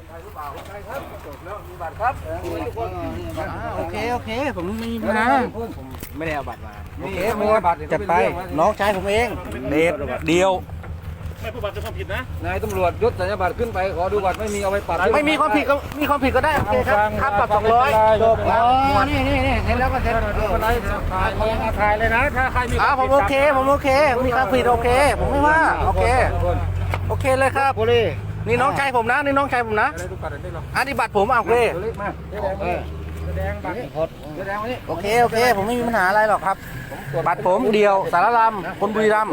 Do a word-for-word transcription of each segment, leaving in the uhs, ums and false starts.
โอเคโอเคผมไม่มีปัญหาผมไม่ได้เอาบัตรมาโอเคหมดจัดไปน้องชายผมเองเดทเดียวไม่ผู้บัตรเป็นความผิดนะนายตำรวจยศสัญญาบัตรขึ้นไปขอดูบัตรไม่มีเอาไปปัดไม่มีความผิดก็มีความผิดก็ได้โอเคครับค่าปรับสองร้อยจบอ๋อนี่นี่นี่เห็นแล้วก็เซ็นอะไรถ่ายถ่ายเลยนะถ้าใครมีอ่าผมโอเคผมโอเคมีความผิดโอเคผมไม่ว่าโอเคโอเคเลยครับนี่น้องชายผมนะนี่น้องชายผมนะอันนี้บัตรผมโอเคโอเคโอเคผมไม่มีปัญหาอะไรหรอกครับบัตรผมเดียวสารรัมคนบุรีรัมย์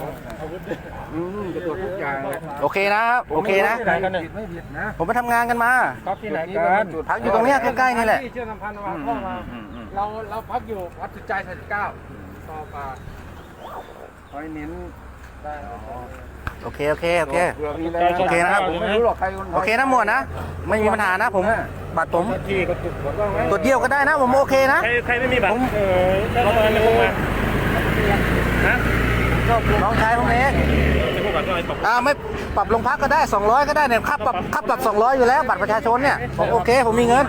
จะตรวจทุกอย่างโอเคนะครับโอเคนะผมไปทำงานกันมาพักที่ไหนกันพักอยู่ตรงนี้ใกล้ๆนี่แหละเชื่อมพันธ์มาพ่อมาเราเราพักอยู่วัดสุดใจสามสิบเก้าต่อปลาคอยเน้นได้โอเคโอเคโอเคโอเคนะครับผมไม่รู้หรอกใครโอเคนะหมวดนะไม่มีปัญหานะผมบัตรผมตรวจเยี่ยวก็ได้นะผมโอเคนะใครใครไม่มีบัตรเออเราทำไมไม่พกมานะน้องชายผมเองอ่าไม่ปรับโรงพักก็ได้สองร้อยก็ได้เนี่ยค่าปรับค่าปรับสองร้อยอยู่แล้วบัตรประชาชนเนี่ยผมโอเคผมมีเงิน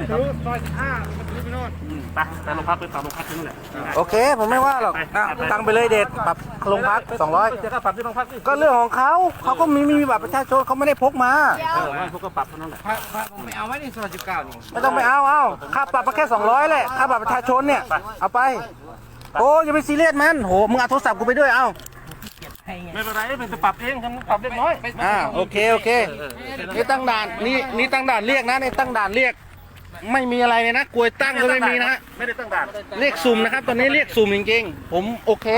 ไปไปโรงพักไปปรับโรงพักนั่นแหละโอเคผมไม่ว่าหรอกตังไปเลยเด็ดปรับโรงพักสองร้อยจะปรับที่โรงพักก็เรื่องของเขาเขาก็มีมีบัตรประชาชนเขาไม่ได้พกมาเออพวกก็ปรับเท่านั้นแหละไม่เอาไว้ในซอยสิบเก้านี่ไม่ต้องไปเอาเอาค่าปรับมาแค่สองร้อยแหละค่าบัตรประชาชนเนี่ยเอาไปโอ้อย่าไปซีเรียสมันโหมึงเอาโทรศัพท์กูไปด้วยเอาไม่เป็นไรเป็นจะปรับเองทำปรับเล็กน้อยอ่าโอเคโอเคนี่ตั้งด่านนี่นี่ตั้งด่านเรียกนะนี่ตั้งด่านเรียกไม่มีอะไรเลยนะกลวยตั้งก็ไม่มีนะฮะไม่ได้ตั้งด่านเรียกสุ่มนะครับตอนนี้เรียกสุ่มจริงๆผมโอเค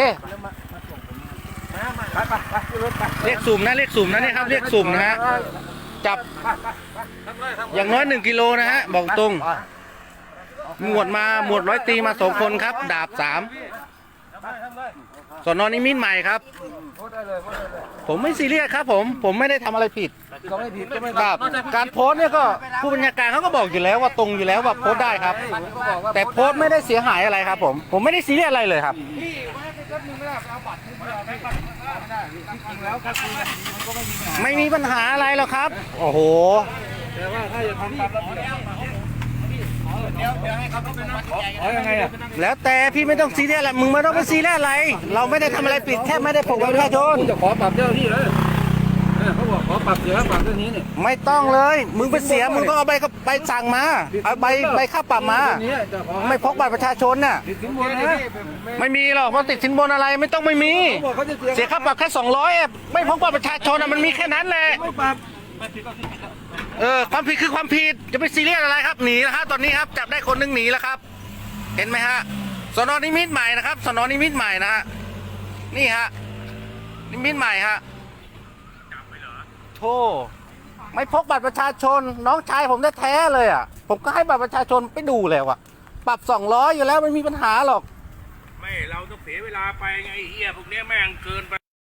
เรียกสุ่มนะเรียกสุ่มนะนี่ครับเรียกสุ่มนะฮะจับอย่างน้อยหนึ่งกิโลนะฮะบอกตรงหมวดมาหมวดร้อยตีมาสองคนครับดาบสามสนนิมิตรใหม่ครับผมไม่ซีเรียสครับผมผมไม่ได้ทำอะไรผิดครับการโพสต์เนี่ยก็ผู้บัญชาการเขาก็บอกอยู่แล้วว่าตรงอยู่แล้วว่าโพสต์ได้ครับแต่โพสต์ไม่ได้เสียหายอะไรครับผมผมไม่ได้ซีเรียสอะไรเลยครับไม่มีปัญหาอะไรหรอกครับโอ้โหแต่ว่าถ้าจะทำตามระเบียบเดี๋ยวเดี๋ยวให้เขาเป็นนักขอยังไงอ่ะแล้วแต่พี่ไม่ต้องซีเรียสอะไรมึงไม่ต้องไปซีเรียสอะไรเราไม่ได้ทำอะไรผิดแค่ไม่ได้ปกป้องประชาชนจะขอปรับเจ้าที่เลยเขาบอกขอปรับเสียปรับเรื่องนี้เนี่ยไม่ต้องเลยมึงไปเสียมึงก็เอาใบใบสั่งมาเอาใบใบค่าปรับมาไม่พกบัตรประชาชนน่ะไม่มีหรอกเพราะติดสินบนอะไรไม่ต้องไม่มีเสียค่าปรับแค่สองร้อยไม่พกบัตรประชาชนอ่ะมันมีแค่นั้นแหละเออความผิดคือความผิดจะไปซีเรียสอะไรครับหนีนะครับตอนนี้ครับจับได้คนนึงหนีแล้วครับเห็นไหมฮะสนนิมิตรใหม่นะครับสนนิมิตรใหม่นะฮะนี่ฮะนิมิตรใหม่ฮะโธ่ไม่พกบัตรประชาชนน้องชายผมแท้ๆเลยอ่ะผมก็ให้บัตรประชาชนไปดูแล้วอ่ะปรับสองร้อยอยู่แล้วไม่มีปัญหาหรอกไม่เราต้องเสียเวลาไปไงเฮียพวกนี้แม่งเกินไป